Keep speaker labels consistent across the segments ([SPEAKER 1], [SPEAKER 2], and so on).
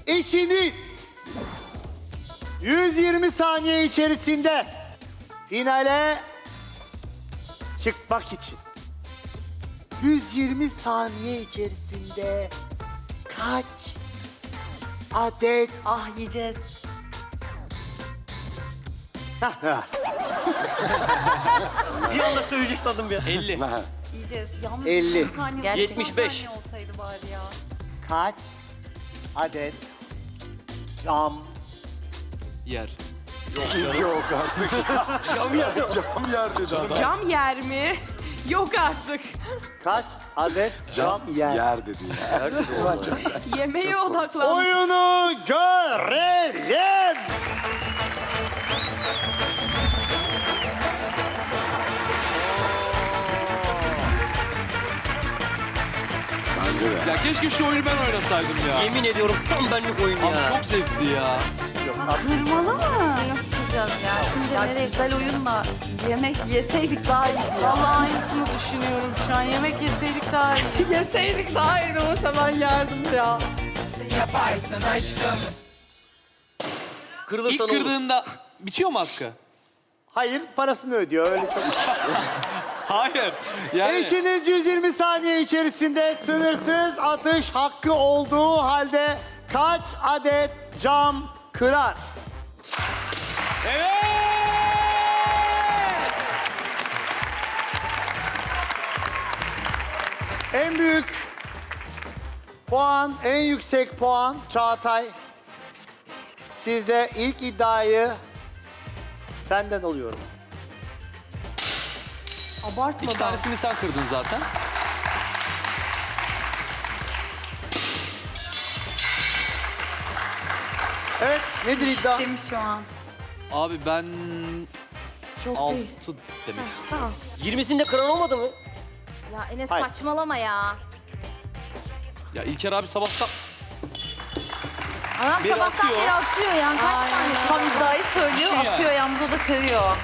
[SPEAKER 1] eşiniz 120 saniye içerisinde finale çıkmak için 120 saniye içerisinde kaç adet
[SPEAKER 2] Ah yiyeceğiz.
[SPEAKER 3] Bir anda söyleyecek sandım ya. 50.
[SPEAKER 2] Yiyeceğiz. Yalnız
[SPEAKER 1] 50.
[SPEAKER 2] 10 saniye,
[SPEAKER 3] Gerçekten. 75.
[SPEAKER 2] 10 saniye olsaydı bari ya.
[SPEAKER 1] kaç adet cam
[SPEAKER 4] Yer.
[SPEAKER 5] Yok artık.
[SPEAKER 3] Cam ya.
[SPEAKER 5] Cam yer dedi adam.
[SPEAKER 6] Cam yer mi? Yok artık.
[SPEAKER 1] kaç adet cam yer?
[SPEAKER 5] Yer dedi ya.
[SPEAKER 6] Yemeğe odaklan.
[SPEAKER 1] Oyunu görelim.
[SPEAKER 5] Bence de.
[SPEAKER 4] Ya keşke şu oyunu ben oynasaydım ya.
[SPEAKER 3] Yemin ediyorum tam benlik oyun ya.
[SPEAKER 4] Abi çok zevkli ya.
[SPEAKER 2] Kırmalı mı? Nasıl kıracağız ya? Şimdi nereye güzel oyunla yemek yeseydik daha iyi.
[SPEAKER 6] Vallahi aynısını düşünüyorum şu an. Yemek yeseydik daha iyi. Yeseydik daha iyi olsa ben yerdim ya.
[SPEAKER 3] Kırılırsan
[SPEAKER 4] İlk
[SPEAKER 3] olur.
[SPEAKER 4] kırdığında bitiyor mu hakkı?
[SPEAKER 1] Hayır, parasını ödüyor. Öyle çok.
[SPEAKER 4] Hayır. Yani
[SPEAKER 1] Eşiniz 120 saniye içerisinde sınırsız atış hakkı olduğu halde kaç adet cam kırar?
[SPEAKER 4] evet.
[SPEAKER 1] En büyük puan, en yüksek puan Çağatay. Sizde ilk iddiayı senden alıyorum.
[SPEAKER 6] Abartma
[SPEAKER 4] İki tanesini sen kırdın zaten.
[SPEAKER 1] Evet, nedir iddia?
[SPEAKER 2] Değil şu an?
[SPEAKER 4] Abi ben
[SPEAKER 6] Çok
[SPEAKER 4] 6
[SPEAKER 6] değil.
[SPEAKER 4] demek istiyorum.
[SPEAKER 6] Tamam.
[SPEAKER 3] 20'sinde kıran olmadı mı?
[SPEAKER 2] Ya Enes
[SPEAKER 1] Hayır.
[SPEAKER 2] saçmalama ya.
[SPEAKER 4] Ya İlker abi sabahtan
[SPEAKER 2] Adam
[SPEAKER 4] Biri
[SPEAKER 2] sabahtan
[SPEAKER 4] atıyor.
[SPEAKER 2] beri atıyor yani. Kaç tane tam iddiayı söylüyor,
[SPEAKER 4] Şu yani.
[SPEAKER 2] atıyor yalnız o da kırıyor.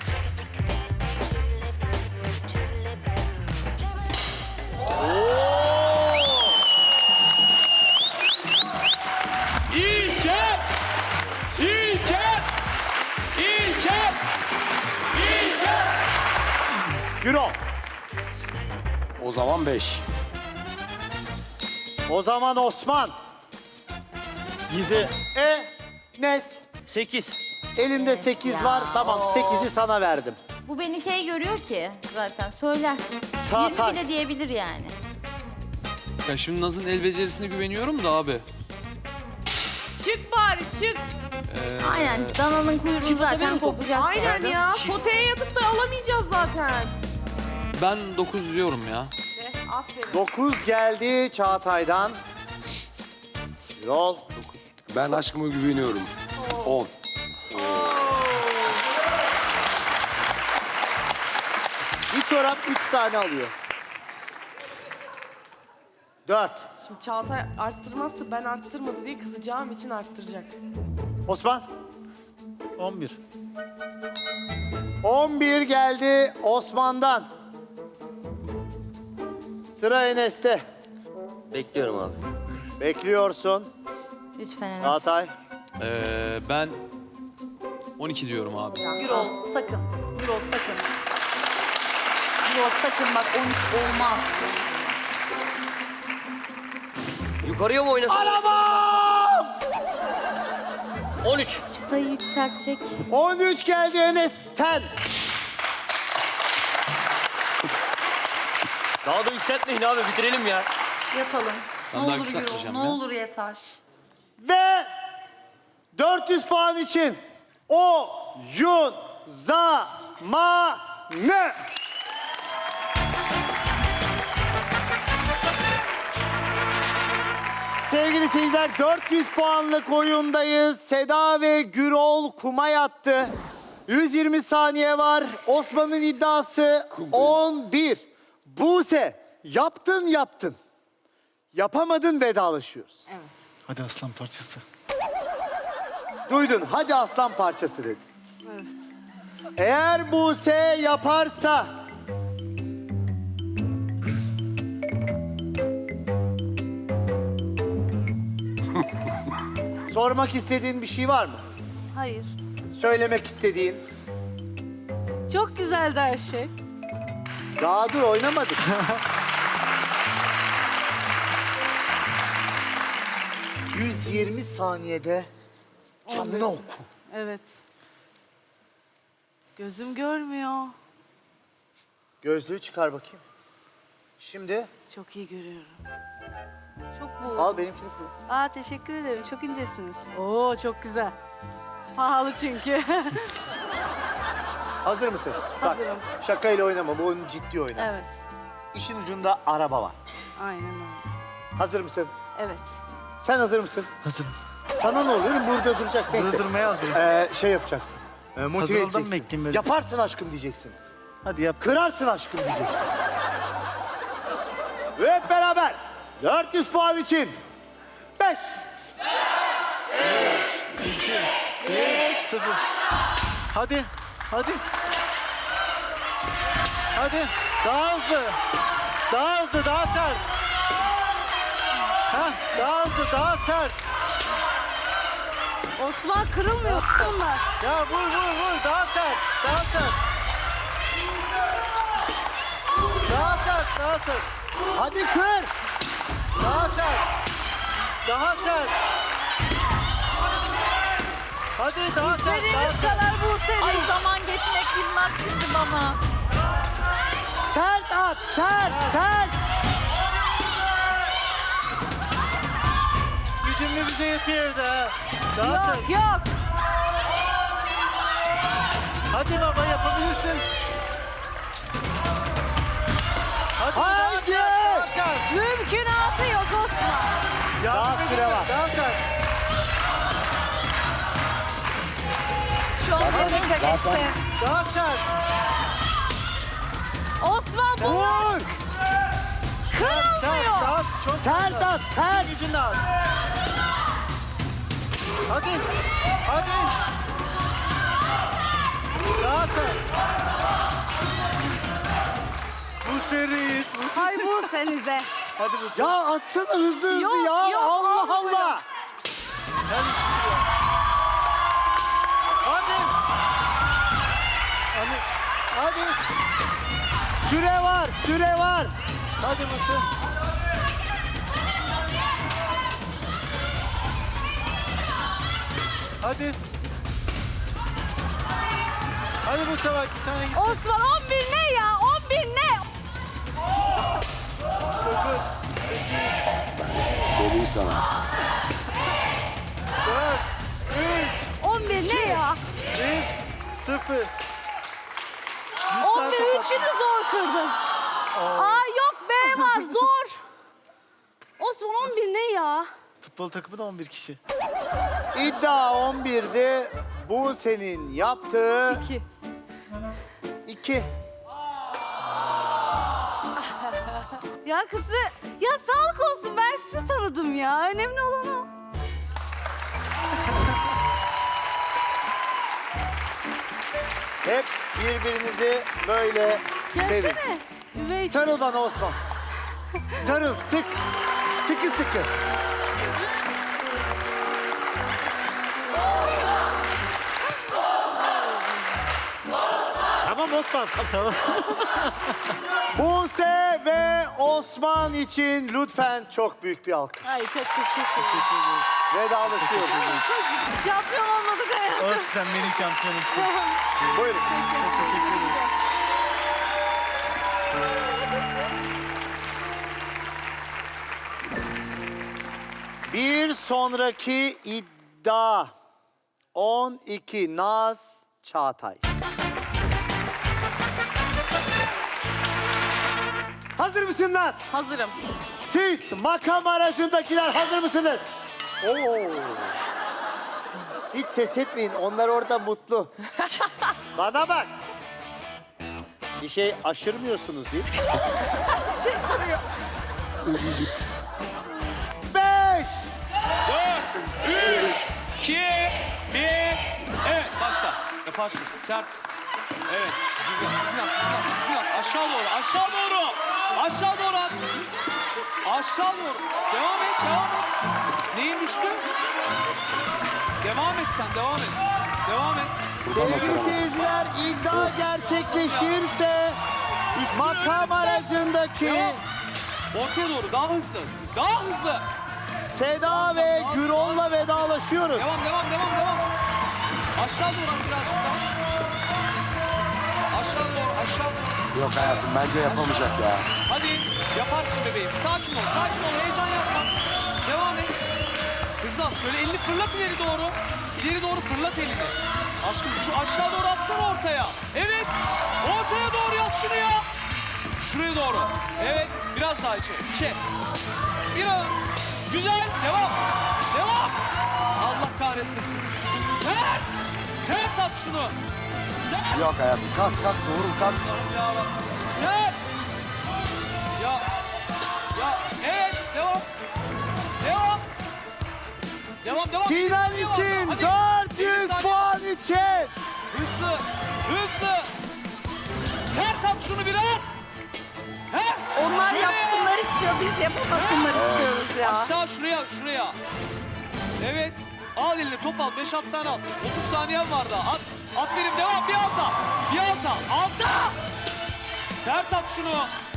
[SPEAKER 4] İlker! İlker! İlker! İlker!
[SPEAKER 1] Gürol.
[SPEAKER 5] O zaman 5.
[SPEAKER 1] O zaman Osman.
[SPEAKER 3] 7.
[SPEAKER 1] Nes.
[SPEAKER 3] 8.
[SPEAKER 1] Elimde 8
[SPEAKER 2] ya.
[SPEAKER 1] var. Tamam, 8'i sana verdim.
[SPEAKER 2] Bu beni şey görüyor ki zaten söyler.
[SPEAKER 1] Çağatay.
[SPEAKER 2] 20 bile diyebilir yani.
[SPEAKER 4] Ya şimdi Naz'ın el becerisine güveniyorum da abi.
[SPEAKER 6] Çık bari çık.
[SPEAKER 2] Aynen dananın kuyruğu zaten kopacak.
[SPEAKER 6] Aynen ya. Potaya yatıp da alamayacağız zaten.
[SPEAKER 4] Ben 9 diyorum ya.
[SPEAKER 6] Aferin.
[SPEAKER 1] 9 geldi Çağatay'dan. Gürol.
[SPEAKER 5] Ben aşkıma güveniyorum. 10.
[SPEAKER 1] Bir çorap 3 tane alıyor. 4.
[SPEAKER 6] Şimdi Çağatay arttırmazsa ben arttırmadı diye kızacağım için arttıracak.
[SPEAKER 1] Osman.
[SPEAKER 7] 11.
[SPEAKER 1] 11 geldi Osman'dan. Sıra Enes'te.
[SPEAKER 3] Bekliyorum abi.
[SPEAKER 1] Bekliyorsun.
[SPEAKER 2] Lütfen Enes.
[SPEAKER 1] Çağatay.
[SPEAKER 4] Ben 12 diyorum abi.
[SPEAKER 2] Gürol sakın. Gürol sakın. Gürol sakın bak 13 olmaz.
[SPEAKER 3] Yukarıya mı oynasın? 13.
[SPEAKER 2] Çıtayı yükseltecek.
[SPEAKER 1] 13 geldi Enes'ten.
[SPEAKER 3] Daha da yükseltmeyin abi bitirelim ya.
[SPEAKER 2] Yatalım.
[SPEAKER 4] Ben
[SPEAKER 2] Ne
[SPEAKER 4] daha
[SPEAKER 2] olur Gürol,
[SPEAKER 4] yükseltmeyeceğim
[SPEAKER 2] ne
[SPEAKER 4] ya.
[SPEAKER 2] olur yeter.
[SPEAKER 1] Ve 400 puan için oyun zamanı. Sevgili seyirciler, 400 puanlık oyundayız. Seda ve Gürol kuma yattı. 120 saniye var. Osman'ın iddiası 11. Buse, yaptın. Yapamadın, vedalaşıyoruz.
[SPEAKER 7] Hadi aslan parçası.
[SPEAKER 1] Duydun, hadi aslan parçası dedi. Evet. Eğer Buse yaparsa Sormak istediğin bir şey var mı?
[SPEAKER 6] Hayır.
[SPEAKER 1] Söylemek istediğin?
[SPEAKER 6] Çok güzeldi her şey.
[SPEAKER 1] Daha dur oynamadık. ...120 saniyede canını oku.
[SPEAKER 6] Evet. Gözüm görmüyor.
[SPEAKER 1] Gözlüğü çıkar bakayım. Şimdi
[SPEAKER 6] Çok iyi görüyorum. Çok bu.
[SPEAKER 1] al benimkini kullan.
[SPEAKER 6] Aa, teşekkür ederim. Çok incesiniz. Oo, çok güzel. Pahalı çünkü.
[SPEAKER 1] Hazır mısın? Bak, şakayla oynama. Bu oyun ciddi oyna.
[SPEAKER 6] Evet.
[SPEAKER 1] İşin ucunda araba var.
[SPEAKER 6] Aynen öyle.
[SPEAKER 1] Hazır mısın?
[SPEAKER 6] Evet.
[SPEAKER 1] Sen hazır mısın?
[SPEAKER 7] Hazırım.
[SPEAKER 1] Sana ne oluyor? Burada duracak. Neyse.
[SPEAKER 7] Burada durmaya hazırım.
[SPEAKER 1] Şey yapacaksın. Motive
[SPEAKER 7] Hazır oldum,
[SPEAKER 1] edeceksin.
[SPEAKER 7] bekleyeyim böyle.
[SPEAKER 1] Yaparsın aşkım diyeceksin.
[SPEAKER 7] Hadi yap.
[SPEAKER 1] Kırarsın aşkım diyeceksin. Ve hep beraber 400 puan için 5.
[SPEAKER 7] 0. Hadi. Hadi. Hadi. Daha hızlı. Daha hızlı, daha sert. Ha, daha hızlı, daha sert.
[SPEAKER 6] Osman, kırılmıyor bunlar.
[SPEAKER 7] Ya vur vur vur. Daha sert. Daha sert. Daha sert, daha sert.
[SPEAKER 1] Hadi kır.
[SPEAKER 7] Daha sert. Daha sert. Hadi daha sert, daha
[SPEAKER 6] Dediğiniz
[SPEAKER 7] sert.
[SPEAKER 6] kadar bu seri.
[SPEAKER 2] Ay zaman geçmek bilmez şimdi bana.
[SPEAKER 1] Sert at. Sert. Sert.
[SPEAKER 7] Gücümlü bize yetiyor evde ha. Daha sert.
[SPEAKER 6] Yok yok.
[SPEAKER 7] Hadi baba yapabilirsin. Hadi daha
[SPEAKER 1] Haydi.
[SPEAKER 7] sert, daha sert.
[SPEAKER 6] Mümkünatı yok Osman.
[SPEAKER 7] Yardım
[SPEAKER 1] Daha
[SPEAKER 7] edin,
[SPEAKER 1] süre var.
[SPEAKER 7] Daha sert.
[SPEAKER 2] Şu an dakika geçti.
[SPEAKER 7] Daha sert.
[SPEAKER 6] Osman, bu
[SPEAKER 1] Vur.
[SPEAKER 7] Sert,
[SPEAKER 6] kırılmıyor.
[SPEAKER 7] daha çok
[SPEAKER 1] Sert at. Sert.
[SPEAKER 7] Gücünü al. Hadi. Hadi. Daha sert. Bu seriyiz. Bu seri.
[SPEAKER 6] Ay bu senize.
[SPEAKER 7] Hadi bu seri.
[SPEAKER 1] Ya atsana hızlı hızlı
[SPEAKER 6] Yok,
[SPEAKER 1] ya.
[SPEAKER 6] yok,
[SPEAKER 1] Allah
[SPEAKER 6] olmuyor.
[SPEAKER 1] Allah.
[SPEAKER 7] Hadi. Hadi. Hadi.
[SPEAKER 1] Süre var. Süre var.
[SPEAKER 7] Hadi Mısır. Hadi. Hadi bu sefer bir tane git.
[SPEAKER 6] Osman, 11 ne ya? 11 ne?
[SPEAKER 7] 9,
[SPEAKER 5] Söyleyeyim sana.
[SPEAKER 7] 4,
[SPEAKER 6] 11 ne ya?
[SPEAKER 7] 1, 0.
[SPEAKER 6] 11 üçünü zor kırdın. Aa yok, B var, zor. Osman, 11 ne ya?
[SPEAKER 7] Futbol takımı da 11 kişi.
[SPEAKER 1] İddia 11'di. Bu senin yaptığı
[SPEAKER 6] 2.
[SPEAKER 1] 2.
[SPEAKER 6] Ya kızı, ya sağlık olsun, ben sizi tanıdım ya. Önemli olan o.
[SPEAKER 1] Hep birbirinizi böyle sevin.
[SPEAKER 6] Gelsene. Üvey
[SPEAKER 1] Sarıl bana Osman. Sarıl, sık. Sıkı sıkı. Tamam Osman. Tamam. Buse ve Osman için lütfen çok büyük bir alkış.
[SPEAKER 6] Ay çok teşekkür ederim.
[SPEAKER 1] Vedalaşıyoruz.
[SPEAKER 6] Şampiyon olmadık hayatım.
[SPEAKER 7] Olsun, sen benim şampiyonumsun.
[SPEAKER 1] Buyurun.
[SPEAKER 7] Teşekkür ederiz.
[SPEAKER 1] Bir sonraki iddia 12 Naz Çağatay. Hazır mısın Naz?
[SPEAKER 2] Hazırım.
[SPEAKER 1] Siz makam aracındakiler hazır mısınız? Oo. Hiç ses etmeyin. Onlar orada mutlu. Bana bak. Bir şey aşırmıyorsunuz değil mi?
[SPEAKER 2] Şey duruyor.
[SPEAKER 1] 5.
[SPEAKER 4] 3, 2, 1. Evet başla. Yaparsın. Sert. Evet. Düzgün yap, düzgün yap, düzgün yap. Aşağı doğru, aşağı doğru. Aşağı doğru at. Aşağı doğru. Devam et, devam et. Neyin düştü? Devam et sen, devam et. Devam et.
[SPEAKER 1] Sevgili seyirciler, iddia gerçekleşirse makam aracındaki
[SPEAKER 4] Devam. Ortaya doğru, daha hızlı. Daha hızlı.
[SPEAKER 1] Seda ve Gürol'la vedalaşıyoruz.
[SPEAKER 4] Devam, devam, devam, devam. Aşağı doğru at birazcık daha. Aşağı doğru, aşağı doğru.
[SPEAKER 5] Yok hayatım bence yapamayacak ya.
[SPEAKER 4] Hadi yaparsın bebeğim. Sakin ol, sakin ol. Heyecan yapma. Devam et. Hızlan. Şöyle elini fırlat ileri doğru. İleri doğru fırlat elini. Aşkım şu aşağı doğru atsana ortaya. Evet. Ortaya doğru yat şunu ya. Şuraya doğru. Evet. Biraz daha içe. İçe. Biraz. Güzel. Devam. Devam. Allah kahretmesin. Sert. Sert at şunu. Sert.
[SPEAKER 5] Yok hayatım kalk kalk doğru kalk.
[SPEAKER 4] Ya Rabbim. Sert. Ya. Ya. Evet. Devam. Devam. Devam, devam.
[SPEAKER 1] Final
[SPEAKER 4] Devam.
[SPEAKER 1] için
[SPEAKER 4] Hadi.
[SPEAKER 1] 400
[SPEAKER 4] Elli
[SPEAKER 1] puan için.
[SPEAKER 4] Hızlı, hızlı. Sert at şunu biraz. He?
[SPEAKER 2] Onlar
[SPEAKER 4] Şöyle.
[SPEAKER 2] yapsınlar istiyor, biz yapamasınlar istiyoruz ya.
[SPEAKER 4] Aşağı şuraya, şuraya. Evet. Al eline top al. 5 tane al. 30 saniyen var daha. At. Aferin devam. Bir alta. Bir alta. Alta. Sert at şunu.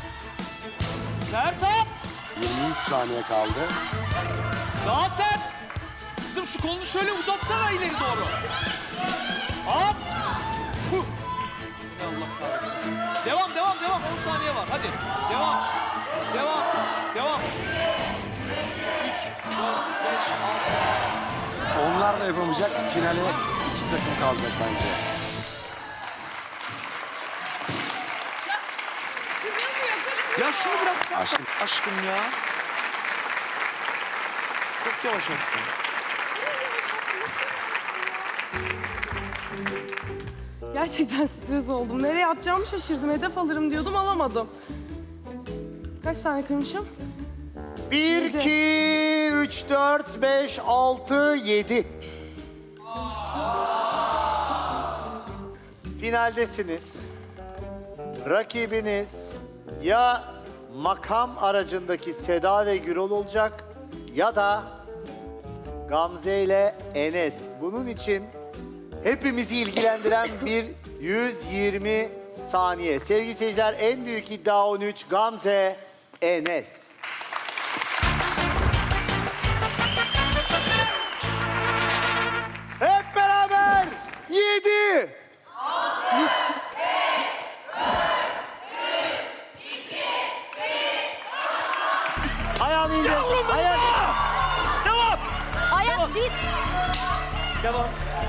[SPEAKER 4] Sert at.
[SPEAKER 5] 23 saniye kaldı.
[SPEAKER 4] Daha sert. Kızım şu kolunu şöyle uzatsana ileri doğru. At. Huh. Seni Allah kahretsin. Devam, devam, devam. 10 saniye var. Hadi. Devam. Devam. Devam. 3, 4, 5, 6.
[SPEAKER 5] Onlar da yapamayacak. Finale 2 takım kalacak bence.
[SPEAKER 4] Ya şunu biraz sert
[SPEAKER 5] Aşkım.
[SPEAKER 4] yap. Aşkım ya. Çok yavaş attın.
[SPEAKER 8] Gerçekten stres oldum. Nereye atacağımı şaşırdım. Hedef alırım diyordum, alamadım. Kaç tane kırmışım?
[SPEAKER 1] 1, 2, 3, 4, 5, 6, 7. Finaldesiniz. Rakibiniz ya makam aracındaki Seda ve Gürol olacak ya da Gamze ile Enes. Bunun için hepimizi ilgilendiren bir 120 saniye. Sevgili seyirciler, en büyük iddia 13, Gamze, Enes. Hep beraber 7. Ayağını indir. Ayak.
[SPEAKER 3] Devam.
[SPEAKER 6] Ayak bir.
[SPEAKER 3] Devam.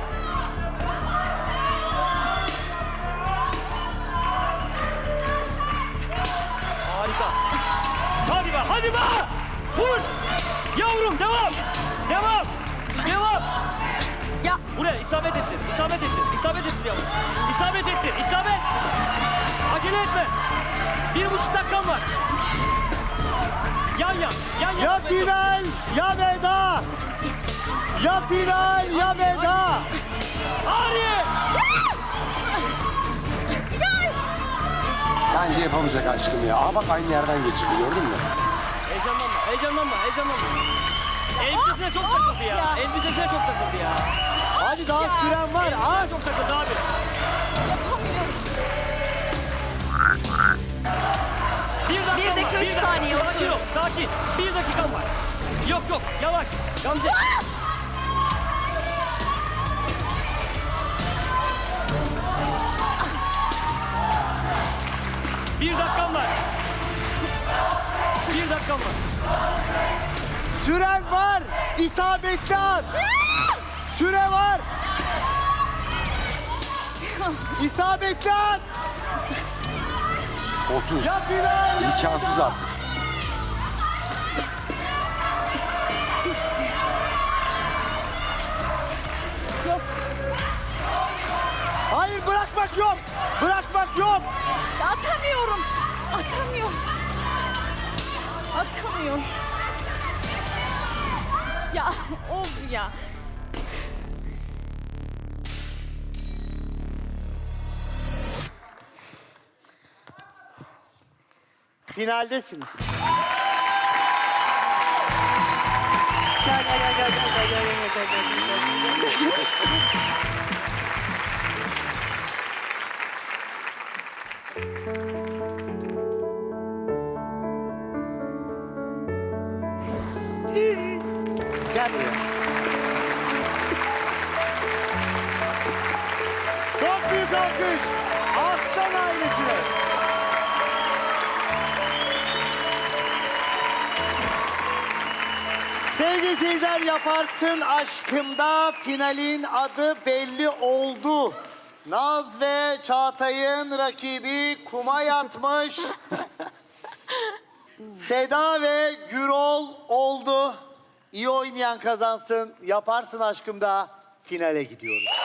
[SPEAKER 3] Harika. Hadi be, hadi be. Vur. Yavrum devam. Devam. Devam.
[SPEAKER 6] Ya.
[SPEAKER 3] Buraya isabet ettir. İsabet ettir. İsabet ettir yavrum. İsabet ettir. İsabet. Acele etme. 1,5 dakikan var. Yan yan. Yan yan.
[SPEAKER 1] Ya final ya veda. Ya final ya veda.
[SPEAKER 3] Hadi.
[SPEAKER 5] Bence yapamayacak aşkım ya. Aa bak aynı yerden geçirdi gördün mü?
[SPEAKER 3] Heyecanlanma. Heyecanlanma. Heyecanlanma. Elbisesine çok takıldı ya. Elbisesine çok takıldı ya.
[SPEAKER 1] Hadi daha süren var. Aç.
[SPEAKER 3] Çok takıldı abi.
[SPEAKER 2] Bir dakika, 3 saniye,
[SPEAKER 3] Sakin
[SPEAKER 2] otur.
[SPEAKER 3] ol, sakin. 1 dakikan var. Yok yok, yavaş. Gamze. Bir dakikan var. 1 dakikan var.
[SPEAKER 1] Süren var. İsabetli at. Süre var. İsabetli at.
[SPEAKER 5] 30.
[SPEAKER 1] Ya final ya
[SPEAKER 5] İmkansız
[SPEAKER 1] veda.
[SPEAKER 5] artık.
[SPEAKER 1] Hayır, bırakmak yok. Bırakmak yok.
[SPEAKER 6] Atamıyorum. Atamıyorum. Atamıyorum. Ya of ya.
[SPEAKER 1] Finaldesiniz. Gel buraya. Çok büyük alkış. Aslan ailesine. Sevgili seyirciler, Yaparsın Aşkım'da finalin adı belli oldu. Naz ve Çağatay'ın rakibi kuma yatmış. Seda ve Gürol oldu. İyi oynayan kazansın. Yaparsın Aşkım'da finale gidiyoruz.